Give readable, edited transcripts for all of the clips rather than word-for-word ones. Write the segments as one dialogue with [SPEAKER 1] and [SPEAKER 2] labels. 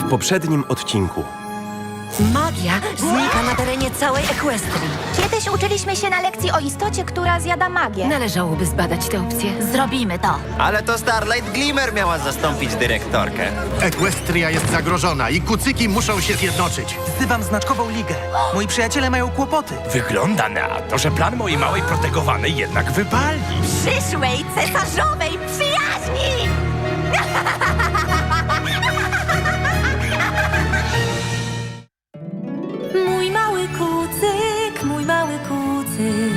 [SPEAKER 1] w poprzednim odcinku.
[SPEAKER 2] Magia znika na terenie całej Equestrii.
[SPEAKER 3] Kiedyś uczyliśmy się na lekcji o istocie, która zjada magię.
[SPEAKER 2] Należałoby zbadać tę opcję.
[SPEAKER 4] Zrobimy to.
[SPEAKER 5] Ale to Starlight Glimmer miała zastąpić dyrektorkę.
[SPEAKER 6] Equestria jest zagrożona i kucyki muszą się zjednoczyć.
[SPEAKER 7] Wzywam znaczkową ligę. Moi przyjaciele mają kłopoty.
[SPEAKER 8] Wygląda na to, że plan mojej małej protegowanej jednak wypali.
[SPEAKER 3] Przyszłej cesarzowej przyjaźni! Mój mały kucyk, mój mały kucyk.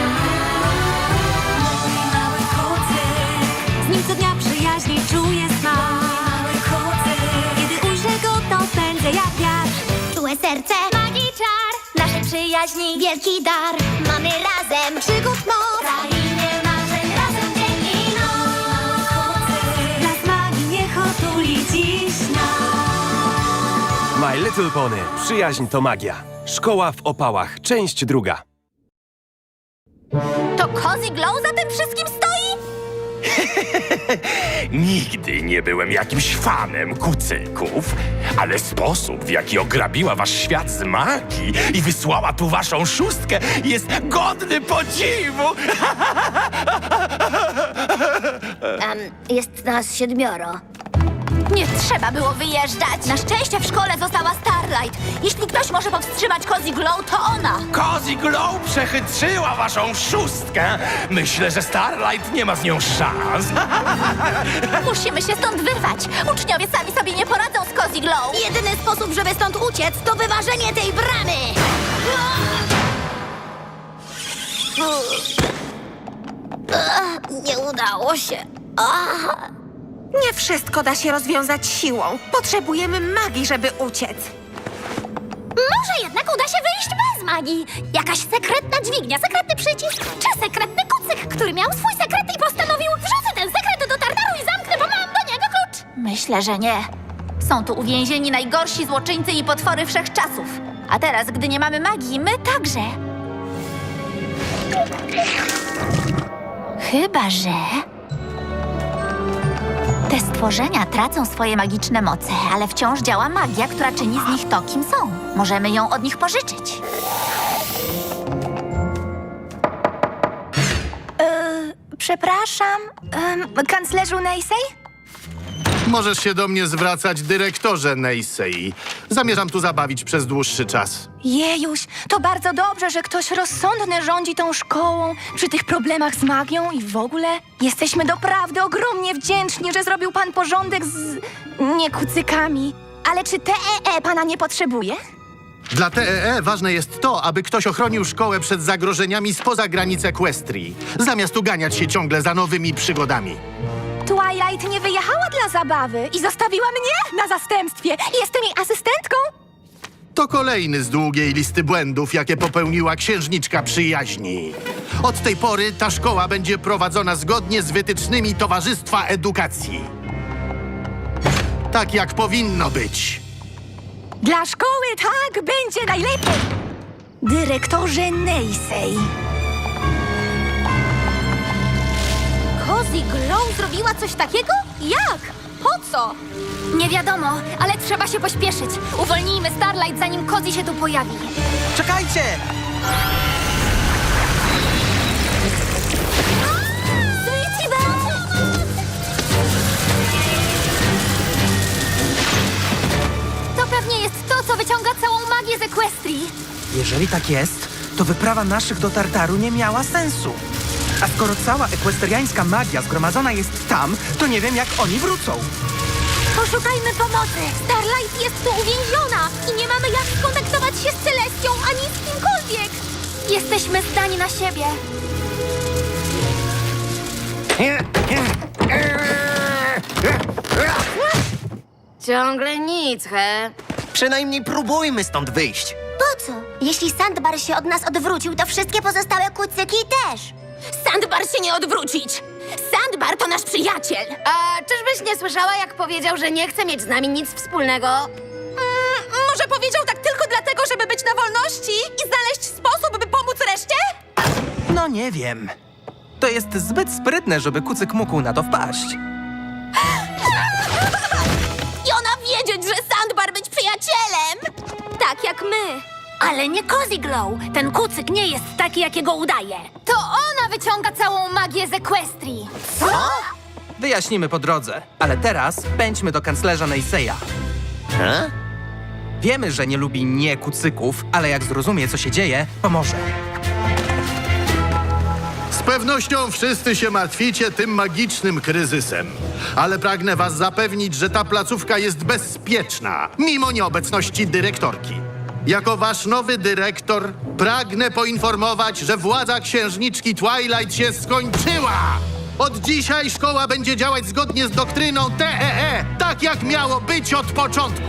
[SPEAKER 3] Mój mały kucyk. Z nim co dnia przyjaźni czuję smak. Mój mały kucyk. Kiedy ujrzę go, to pędzę jak wiatr.
[SPEAKER 9] Czułe serce, magii czar, naszej przyjaźni wielki dar. Mamy razem przygód moc, krainie marzeń razem dzień i noc.
[SPEAKER 3] Las magii niech otuli dziś nas.
[SPEAKER 1] My Little Pony. Przyjaźń to magia. Szkoła w opałach. Część druga.
[SPEAKER 4] To Cozy Glow za tym wszystkim stoi?
[SPEAKER 8] Nigdy nie byłem jakimś fanem kucyków, ale sposób, w jaki ograbiła wasz świat z magii i wysłała tu waszą szóstkę, jest godny podziwu.
[SPEAKER 9] Jest nas 7.
[SPEAKER 4] Nie trzeba było wyjeżdżać. Na szczęście w szkole została Starlight. Jeśli ktoś może powstrzymać Cozy Glow, to ona.
[SPEAKER 8] Cozy Glow przechytrzyła waszą szóstkę. Myślę, że Starlight nie ma z nią szans.
[SPEAKER 4] Musimy się stąd wyrwać. Uczniowie sami sobie nie poradzą z Cozy Glow.
[SPEAKER 9] Jedyny sposób, żeby stąd uciec, to wyważenie tej bramy. Nie udało się.
[SPEAKER 3] Nie wszystko da się rozwiązać siłą. Potrzebujemy magii, żeby uciec.
[SPEAKER 9] Może jednak uda się wyjść bez magii. Jakaś sekretna dźwignia, sekretny przycisk, czy sekretny kucyk, który miał swój sekret i postanowił wrzucę ten sekret do Tartaru i zamknę, bo mam do niego klucz.
[SPEAKER 4] Myślę, że nie. Są tu uwięzieni najgorsi złoczyńcy i potwory wszechczasów. A teraz, gdy nie mamy magii, my także. Chyba że... Te stworzenia tracą swoje magiczne moce, ale wciąż działa magia, która czyni z nich to, kim są. Możemy ją od nich pożyczyć.
[SPEAKER 3] Przepraszam, kanclerzu Neisej?
[SPEAKER 6] Możesz się do mnie zwracać, dyrektorze Neisei. Zamierzam tu zabawić przez dłuższy czas.
[SPEAKER 3] Jejuś, to bardzo dobrze, że ktoś rozsądny rządzi tą szkołą przy tych problemach z magią i w ogóle. Jesteśmy doprawdy ogromnie wdzięczni, że zrobił pan porządek z... nie kucykami. Ale czy TEE pana nie potrzebuje?
[SPEAKER 6] Dla TEE ważne jest to, aby ktoś ochronił szkołę przed zagrożeniami spoza granic Equestrii, zamiast uganiać się ciągle za nowymi przygodami.
[SPEAKER 3] Twilight nie wyjechała dla zabawy i zostawiła mnie na zastępstwie. Jestem jej asystentką.
[SPEAKER 6] To kolejny z długiej listy błędów, jakie popełniła księżniczka przyjaźni. Od tej pory ta szkoła będzie prowadzona zgodnie z wytycznymi Towarzystwa Edukacji. Tak jak powinno być.
[SPEAKER 3] Dla szkoły tak będzie najlepiej. Dyrektorze Neisej.
[SPEAKER 4] Cozy Glow zrobiła coś takiego? Jak? Po co? Nie wiadomo, ale trzeba się pośpieszyć. Uwolnijmy Starlight, zanim Cozy się tu pojawi.
[SPEAKER 7] Czekajcie!
[SPEAKER 4] Sweetie Belle! To pewnie jest to, co wyciąga całą magię z Equestrii.
[SPEAKER 7] Jeżeli tak jest, to wyprawa naszych do Tartaru nie miała sensu. A skoro cała ekwestriańska magia zgromadzona jest tam, to nie wiem, jak oni wrócą.
[SPEAKER 4] Poszukajmy pomocy. Starlight jest tu uwięziona i nie mamy jak skontaktować się z Celestią ani z kimkolwiek. Jesteśmy zdani na siebie.
[SPEAKER 2] Ciągle nic, he?
[SPEAKER 5] Przynajmniej próbujmy stąd wyjść.
[SPEAKER 9] Po co? Jeśli Sandbar się od nas odwrócił, to wszystkie pozostałe kucyki też.
[SPEAKER 4] Sandbar się nie odwrócić. Sandbar to nasz przyjaciel.
[SPEAKER 2] A czyżbyś nie słyszała, jak powiedział, że nie chce mieć z nami nic wspólnego?
[SPEAKER 3] Może powiedział tak tylko dlatego, żeby być na wolności i znaleźć sposób, by pomóc reszcie?
[SPEAKER 7] No nie wiem. To jest zbyt sprytne, żeby kucyk mógł na to wpaść.
[SPEAKER 4] I ona wiedzieć, że Sandbar
[SPEAKER 9] Ale nie Cozy Glow. Ten kucyk nie jest taki, jakiego udaje.
[SPEAKER 4] To ona wyciąga całą magię z Equestrii.
[SPEAKER 7] Wyjaśnimy po drodze, ale teraz pędźmy do kanclerza Neyseya. Wiemy, że nie lubi nie kucyków, ale jak zrozumie, co się dzieje, pomoże.
[SPEAKER 6] Z pewnością wszyscy się martwicie tym magicznym kryzysem. Ale pragnę was zapewnić, że ta placówka jest bezpieczna, mimo nieobecności dyrektorki. Jako wasz nowy dyrektor pragnę poinformować, że władza księżniczki Twilight się skończyła! Od dzisiaj szkoła będzie działać zgodnie z doktryną TEE, tak jak miało być od początku.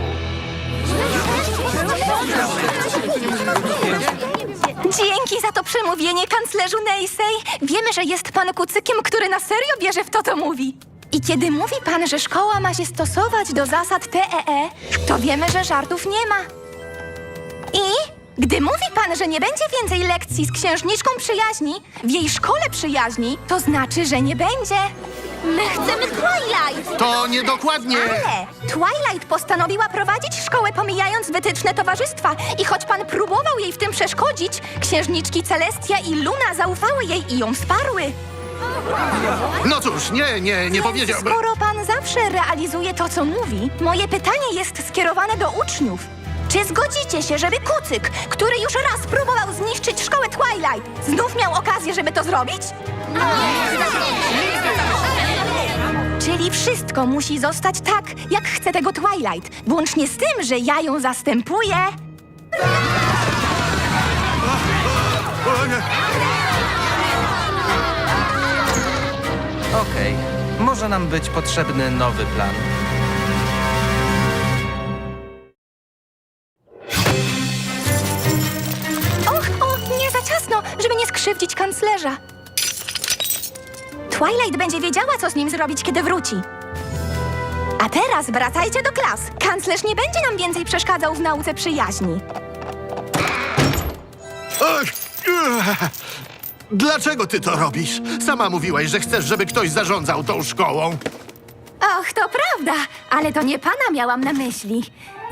[SPEAKER 3] Dzięki za to przemówienie, kanclerzu Neysey. Wiemy, że jest pan kucykiem, który na serio wierzy w to, co mówi. I kiedy mówi pan, że szkoła ma się stosować do zasad TEE, to wiemy, że żartów nie ma. I gdy mówi pan, że nie będzie więcej lekcji z księżniczką przyjaźni, w jej szkole przyjaźni, to znaczy, że nie będzie.
[SPEAKER 9] My chcemy Twilight!
[SPEAKER 6] To niedokładnie.
[SPEAKER 3] Ale Twilight postanowiła prowadzić szkołę, pomijając wytyczne towarzystwa. I choć pan próbował jej w tym przeszkodzić, księżniczki Celestia i Luna zaufały jej i ją wsparły.
[SPEAKER 6] No cóż, nie powiedziałbym.
[SPEAKER 3] Skoro pan zawsze realizuje to, co mówi, moje pytanie jest skierowane do uczniów. Czy zgodzicie się, żeby kucyk, który już raz próbował zniszczyć szkołę Twilight, znów miał okazję, żeby to zrobić? Czyli wszystko musi zostać tak, jak chce tego Twilight, włącznie z tym, że ja ją zastępuję.
[SPEAKER 7] Okej, może nam być potrzebny nowy plan.
[SPEAKER 3] Och, nie za ciasno, żeby nie skrzywdzić kanclerza. Twilight będzie wiedziała, co z nim zrobić, kiedy wróci. A teraz wracajcie do klas. Kanclerz nie będzie nam więcej przeszkadzał w nauce przyjaźni.
[SPEAKER 6] Ach, dlaczego ty to robisz? Sama mówiłaś, że chcesz, żeby ktoś zarządzał tą szkołą.
[SPEAKER 3] Och, to prawda, ale to nie pana miałam na myśli.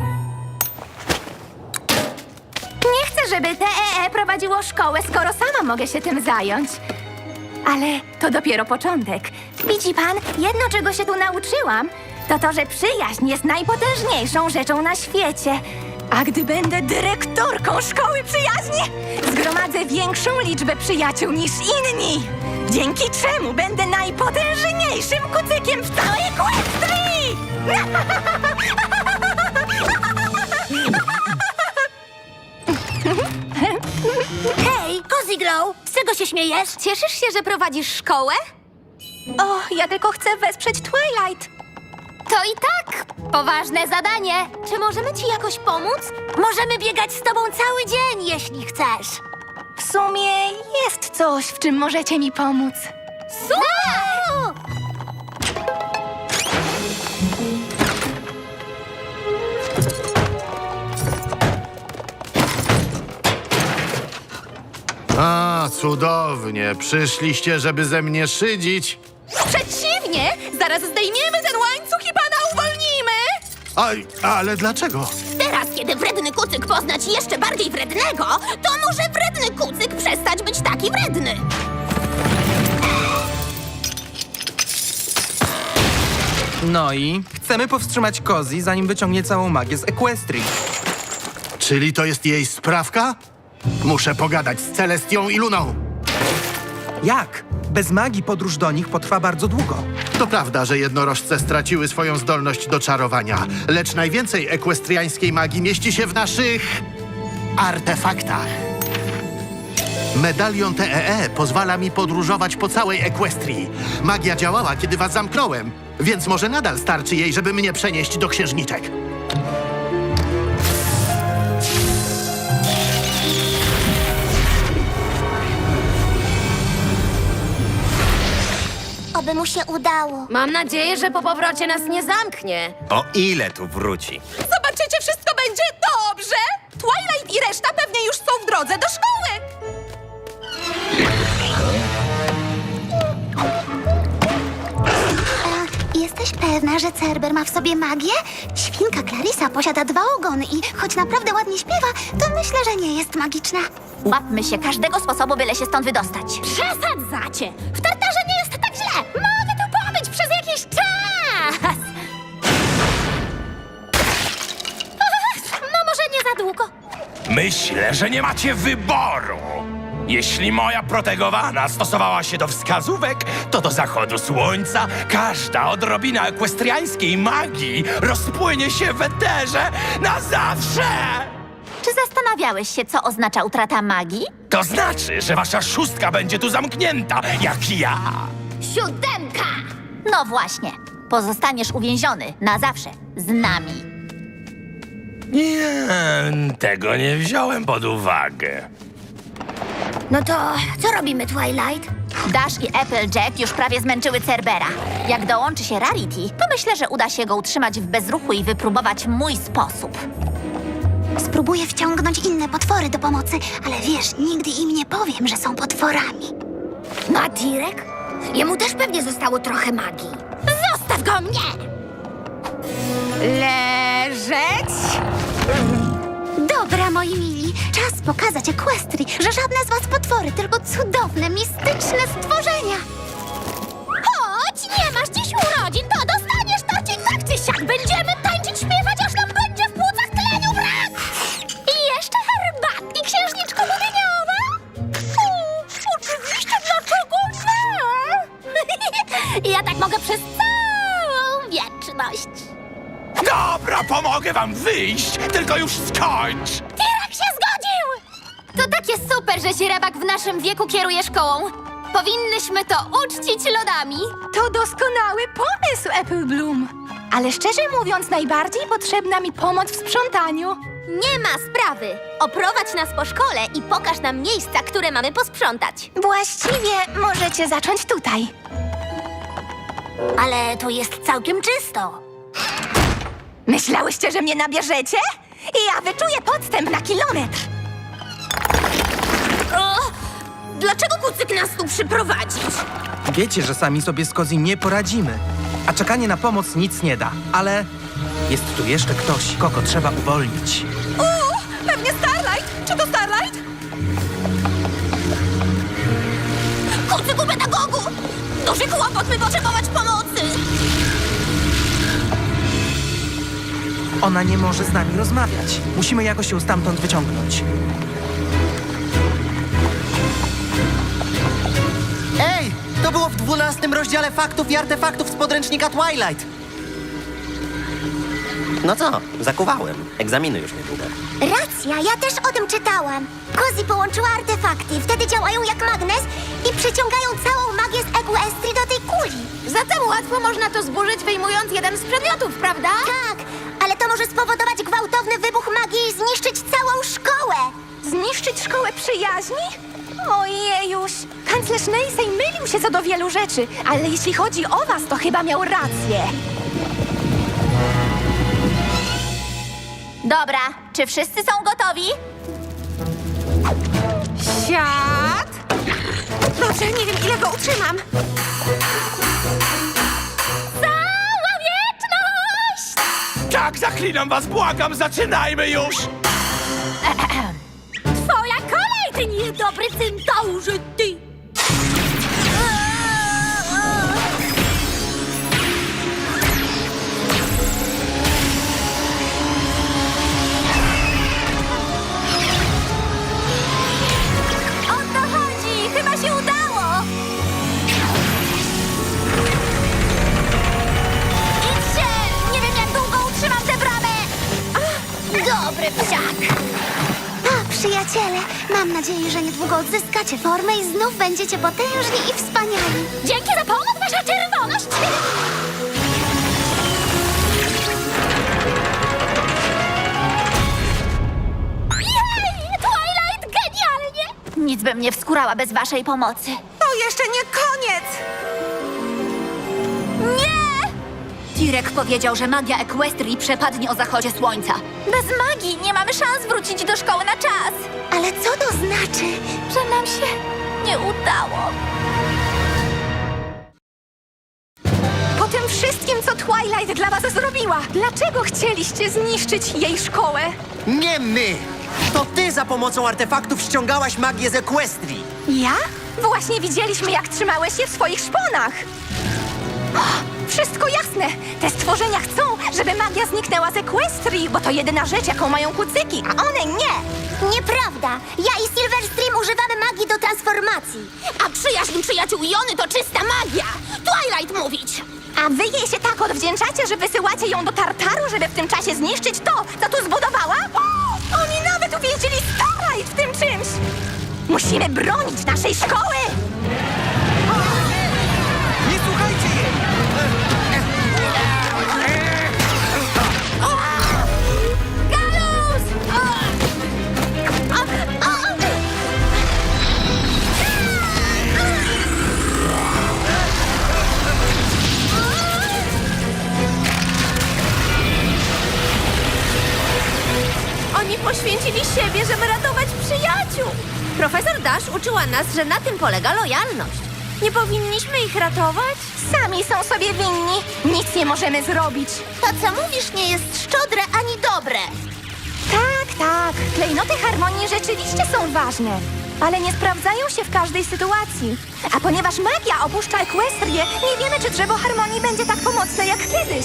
[SPEAKER 3] Nie chcę, żeby TEE prowadziło szkołę, skoro sama mogę się tym zająć. Ale to dopiero początek. Widzi pan, jedno, czego się tu nauczyłam, to to, że przyjaźń jest najpotężniejszą rzeczą na świecie. A gdy będę dyrektorką szkoły przyjaźni, zgromadzę większą liczbę przyjaciół niż inni. Dzięki czemu będę najpotężniejszym kucykiem w całej Equestrii!
[SPEAKER 9] Hej, Cozy Glow! Z czego się śmiejesz?
[SPEAKER 4] Cieszysz się, że prowadzisz szkołę?
[SPEAKER 3] O, ja tylko chcę wesprzeć Twilight.
[SPEAKER 4] To i tak poważne zadanie. Czy możemy ci jakoś pomóc?
[SPEAKER 9] Możemy biegać z tobą cały dzień, jeśli chcesz.
[SPEAKER 3] W sumie jest coś, w czym możecie mi pomóc.
[SPEAKER 9] Super!
[SPEAKER 6] A, cudownie. Przyszliście, żeby ze mnie szydzić.
[SPEAKER 3] Przeciwnie! Zaraz zdejmiemy ten łańcuch i pana uwolnimy!
[SPEAKER 6] Ale dlaczego?
[SPEAKER 9] Teraz, kiedy wredny kucyk pozna ci jeszcze bardziej wrednego, to może wredny kucyk przestać być taki wredny.
[SPEAKER 7] No i chcemy powstrzymać Cozy, zanim wyciągnie całą magię z Equestrii.
[SPEAKER 6] Czyli to jest jej sprawka? Muszę pogadać z Celestią i Luną.
[SPEAKER 7] Jak? Bez magii podróż do nich potrwa bardzo długo.
[SPEAKER 6] To prawda, że jednorożce straciły swoją zdolność do czarowania, lecz najwięcej ekwestriańskiej magii mieści się w naszych artefaktach. Medalion TEE pozwala mi podróżować po całej Equestrii. Magia działała, kiedy was zamknąłem, więc może nadal starczy jej, żeby mnie przenieść do księżniczek.
[SPEAKER 9] Oby mu się udało.
[SPEAKER 2] Mam nadzieję, że po powrocie nas nie zamknie.
[SPEAKER 5] O ile tu wróci?
[SPEAKER 3] Zobaczycie, wszystko będzie dobrze! Twilight i reszta pewnie już są w drodze do szkoły!
[SPEAKER 9] Jesteś pewna, że Cerber ma w sobie magię? Świnka Clarissa posiada 2 ogony i choć naprawdę ładnie śpiewa, to myślę, że nie jest magiczna.
[SPEAKER 4] Łapmy się każdego sposobu, byle się stąd wydostać.
[SPEAKER 9] Przesadzacie! W Tartarze nie jest tak źle! Mogę tu pobyć przez jakiś czas! No może nie za długo.
[SPEAKER 8] Myślę, że nie macie wyboru. Jeśli moja protegowana stosowała się do wskazówek, to do zachodu słońca każda odrobina ekwestriańskiej magii rozpłynie się w eterze na zawsze!
[SPEAKER 4] Czy zastanawiałeś się, co oznacza utrata magii?
[SPEAKER 8] To znaczy, że wasza szóstka będzie tu zamknięta, jak ja.
[SPEAKER 9] 7!
[SPEAKER 4] No właśnie. Pozostaniesz uwięziony na zawsze z nami.
[SPEAKER 8] Nie, tego nie wziąłem pod uwagę.
[SPEAKER 2] No to co robimy, Twilight?
[SPEAKER 4] Dash i Applejack już prawie zmęczyły Cerbera. Jak dołączy się Rarity, to myślę, że uda się go utrzymać w bezruchu i wypróbować mój sposób.
[SPEAKER 9] Spróbuję wciągnąć inne potwory do pomocy, ale wiesz, nigdy im nie powiem, że są potworami.
[SPEAKER 2] No a Tirek? Jemu też pewnie zostało trochę magii.
[SPEAKER 9] Zostaw go mnie!
[SPEAKER 3] Leżeć!
[SPEAKER 9] Dobra, moi mili, czas pokazać Equestrii, że żadne z was potwory, tylko cudowne, mistyczne stworzenia. Chodź, nie masz dziś urodzin, to dostaniesz torcik tak czy siak. Będziemy tańczyć, śpiewać, aż nam będzie w płucach tleniu brak. I jeszcze herbatki, księżniczko Lubieniowa. Oczywiście, dlaczego nie? Ja tak mogę przez całą wieczność.
[SPEAKER 8] Dobra, pomogę wam wyjść, tylko już skończ!
[SPEAKER 9] Tyrak się zgodził!
[SPEAKER 4] To takie super, że Sierabak w naszym wieku kieruje szkołą. Powinnyśmy to uczcić lodami.
[SPEAKER 3] To doskonały pomysł, Apple Bloom. Ale szczerze mówiąc, najbardziej potrzebna mi pomoc w sprzątaniu.
[SPEAKER 9] Nie ma sprawy. Oprowadź nas po szkole i pokaż nam miejsca, które mamy posprzątać.
[SPEAKER 3] Właściwie możecie zacząć tutaj.
[SPEAKER 2] Ale tu jest całkiem czysto.
[SPEAKER 3] Myślałyście, że mnie nabierzecie? I ja wyczuję podstęp na kilometr.
[SPEAKER 2] Dlaczego kucyk nas tu przyprowadzić?
[SPEAKER 7] Wiecie, że sami sobie z Cozy nie poradzimy. A czekanie na pomoc nic nie da. Ale jest tu jeszcze ktoś, kogo trzeba uwolnić.
[SPEAKER 3] Pewnie Starlight. Czy to Starlight?
[SPEAKER 2] Kucyku pedagogu! Duży kłopot, by potrzebować pomocy!
[SPEAKER 7] Ona nie może z nami rozmawiać. Musimy jakoś ją stamtąd wyciągnąć.
[SPEAKER 5] Ej, to było w 12 rozdziale faktów i artefaktów z podręcznika Twilight. No co, zakuwałem. Egzaminy już niedługo.
[SPEAKER 9] Racja, ja też o tym czytałam. Cozy połączyła artefakty, wtedy działają jak magnes i przyciągają całą magię z Equestrii do tej kuli.
[SPEAKER 2] Zatem łatwo można to zburzyć, wyjmując jeden z przedmiotów, prawda?
[SPEAKER 9] Tak, ale to może spowodować gwałtowny wybuch magii i zniszczyć całą szkołę.
[SPEAKER 3] Zniszczyć szkołę przyjaźni? Ojejuś, kanclerz Neysej mylił się co do wielu rzeczy, ale jeśli chodzi o was, to chyba miał rację.
[SPEAKER 4] Dobra, czy wszyscy są gotowi?
[SPEAKER 2] Siad! Proszę, nie wiem, ile go utrzymam.
[SPEAKER 9] Cała wieczność!
[SPEAKER 8] Tak, zaklinam was, błagam, zaczynajmy już!
[SPEAKER 9] Twoja kolej, ty niedobry centaurze, ty!
[SPEAKER 4] O to chodzi! Chyba się udało! Idźcie! Nie wiem, jak długo utrzymam tę bramę!
[SPEAKER 9] Dobry psiak! A, przyjaciele, mam nadzieję, że niedługo odzyskacie formę i znów będziecie potężni i wspaniali. Dzięki za pomoc, wasza czerwoność! Jej! Twilight, genialnie!
[SPEAKER 4] Nic bym nie wskurała bez waszej pomocy.
[SPEAKER 2] To jeszcze nie koniec!
[SPEAKER 4] Tirek powiedział, że magia Equestrii przepadnie o zachodzie słońca. Bez magii nie mamy szans wrócić do szkoły na czas.
[SPEAKER 9] Ale co to znaczy?
[SPEAKER 4] Że nam się nie udało.
[SPEAKER 3] Po tym wszystkim co Twilight dla was zrobiła. Dlaczego chcieliście zniszczyć jej szkołę?
[SPEAKER 5] Nie my! To ty za pomocą artefaktów ściągałaś magię z Equestrii.
[SPEAKER 3] Ja? Właśnie widzieliśmy, jak trzymałeś się w swoich szponach. O, wszystko jasne. Te stworzenia chcą, żeby magia zniknęła z Equestrii, bo to jedyna rzecz, jaką mają kucyki, a one nie.
[SPEAKER 9] Nieprawda! Ja i Silverstream używamy magii do transformacji.
[SPEAKER 4] A przyjaźń przyjaciół Jony to czysta magia! Twilight mówić!
[SPEAKER 3] A wy jej się tak odwdzięczacie, że wysyłacie ją do Tartaru, żeby w tym czasie zniszczyć to, co tu zbudowała? O, oni nawet uwięzili Starlight w tym czymś! Musimy bronić naszej szkoły!
[SPEAKER 7] Nie słuchajcie jej!
[SPEAKER 3] Galus!
[SPEAKER 2] Oni poświęcili siebie, żeby ratować przyjaciół. Profesor Dash uczyła nas, że na tym polega lojalność. Nie powinniśmy ich ratować?
[SPEAKER 3] Sami są sobie winni. Nic nie możemy zrobić.
[SPEAKER 9] To, co mówisz, nie jest szczodre ani dobre.
[SPEAKER 3] Tak. Klejnoty harmonii rzeczywiście są ważne, ale nie sprawdzają się w każdej sytuacji. A ponieważ magia opuszcza Equestrię, nie wiemy, czy drzewo harmonii będzie tak pomocne jak kiedyś.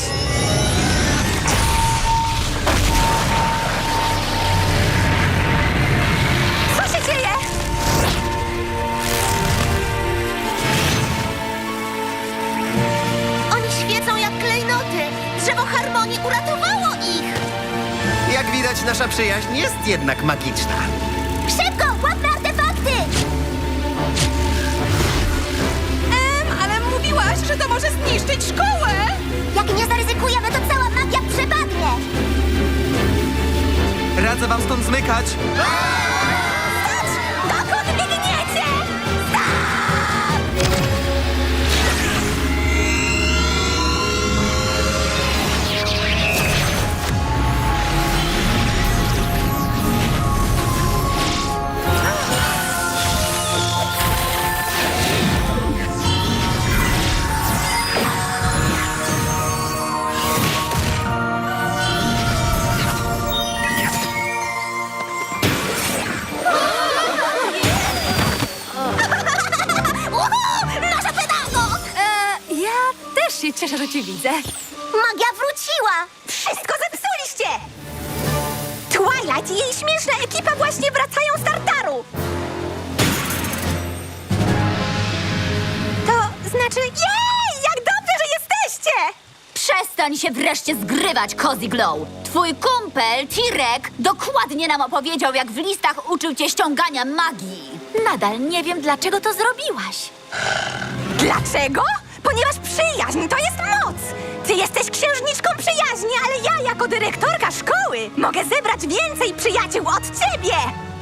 [SPEAKER 3] Co się dzieje?
[SPEAKER 9] Oni świecą jak klejnoty. Drzewo harmonii uratowało ich.
[SPEAKER 5] Jak widać, nasza przyjaźń jest jednak magiczna.
[SPEAKER 9] Szybko, łapmy artefakty!
[SPEAKER 2] Ale mówiłaś, że to może zniszczyć szkołę.
[SPEAKER 9] Jak nie zaryzykujemy, to cała magia przepadnie.
[SPEAKER 7] Radzę wam stąd zmykać.
[SPEAKER 3] Dokąd biegniecie?
[SPEAKER 9] Nasza pedago!
[SPEAKER 2] Ja też się cieszę, że cię widzę.
[SPEAKER 9] Magia wróciła!
[SPEAKER 3] Wszystko zepsuliście! Twilight i jej śmieszna ekipa właśnie wracają z Tartaru! To znaczy, jej! Jak dobrze, że jesteście!
[SPEAKER 4] Przestań się wreszcie zgrywać, Cozy Glow! Twój kumpel, Tirek, dokładnie nam opowiedział, jak w listach uczył cię ściągania magii. Nadal nie wiem, dlaczego to zrobiłaś.
[SPEAKER 3] Dlaczego? Ponieważ przyjaźń to jest moc! Ty jesteś księżniczką przyjaźni, ale ja jako dyrektorka szkoły mogę zebrać więcej przyjaciół od ciebie!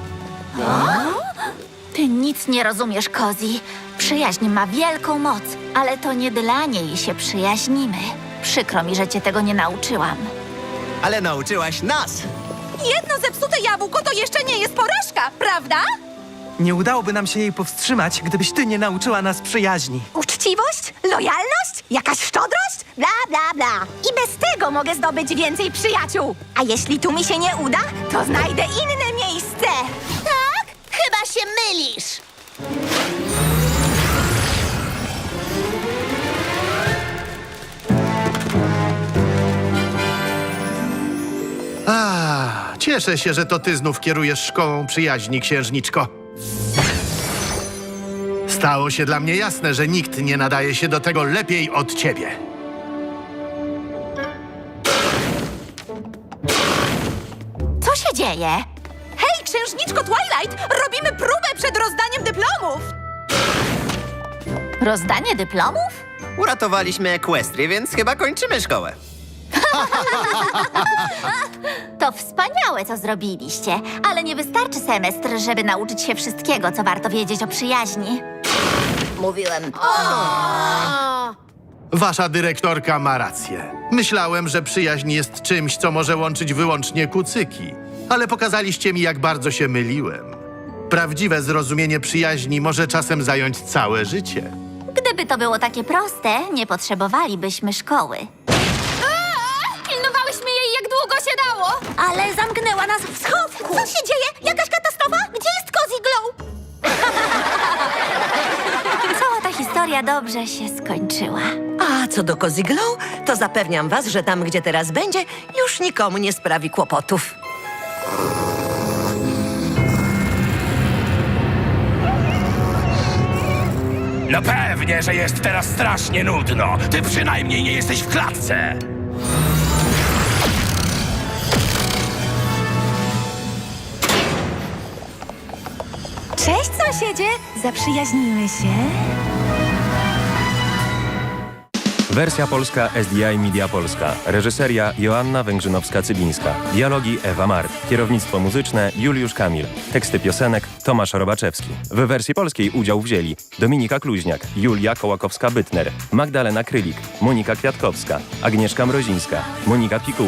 [SPEAKER 4] Ty nic nie rozumiesz, Cozy. Przyjaźń ma wielką moc, ale to nie dla niej się przyjaźnimy. Przykro mi, że cię tego nie nauczyłam.
[SPEAKER 5] Ale nauczyłaś nas.
[SPEAKER 2] Jedno zepsute jabłko to jeszcze nie jest porażka, prawda?
[SPEAKER 7] Nie udałoby nam się jej powstrzymać, gdybyś ty nie nauczyła nas przyjaźni.
[SPEAKER 3] Uczciwość? Lojalność? Jakaś szczodrość? Bla, bla, bla. I bez tego mogę zdobyć więcej przyjaciół. A jeśli tu mi się nie uda, to znajdę inne miejsce.
[SPEAKER 9] Tak? Chyba się mylisz.
[SPEAKER 6] Cieszę się, że to ty znów kierujesz szkołą przyjaźni, księżniczko. Stało się dla mnie jasne, że nikt nie nadaje się do tego lepiej od ciebie.
[SPEAKER 4] Co się dzieje?
[SPEAKER 2] Hej, księżniczko Twilight, robimy próbę przed rozdaniem dyplomów.
[SPEAKER 4] Rozdanie dyplomów?
[SPEAKER 5] Uratowaliśmy Equestrię, więc chyba kończymy szkołę.
[SPEAKER 4] To wspaniałe, co zrobiliście, ale nie wystarczy semestr, żeby nauczyć się wszystkiego, co warto wiedzieć o przyjaźni. Mówiłem.
[SPEAKER 6] Wasza dyrektorka ma rację. Myślałem, że przyjaźń jest czymś, co może łączyć wyłącznie kucyki. Ale pokazaliście mi, jak bardzo się myliłem. Prawdziwe zrozumienie przyjaźni może czasem zająć całe życie.
[SPEAKER 4] Gdyby to było takie proste, nie potrzebowalibyśmy szkoły.
[SPEAKER 2] Ale zamknęła nas w schowku. Co się dzieje? Jakaś katastrofa? Gdzie jest Cozy Glow? Cała ta historia dobrze się skończyła.
[SPEAKER 10] A co do Cozy Glow, to zapewniam was, że tam, gdzie teraz będzie, już nikomu nie sprawi kłopotów.
[SPEAKER 8] No pewnie, że jest teraz strasznie nudno. Ty przynajmniej nie jesteś w klatce.
[SPEAKER 3] Cześć, sąsiedzie! Zaprzyjaźnimy się.
[SPEAKER 1] Wersja polska SDI Media Polska. Reżyseria Joanna Węgrzynowska-Cybińska. Dialogi Ewa Mart. Kierownictwo muzyczne Juliusz Kamil. Teksty piosenek Tomasz Robaczewski. W wersji polskiej udział wzięli Dominika Kluźniak, Julia Kołakowska-Bytner, Magdalena Krylik, Monika Kwiatkowska, Agnieszka Mrozińska, Monika Pikuła,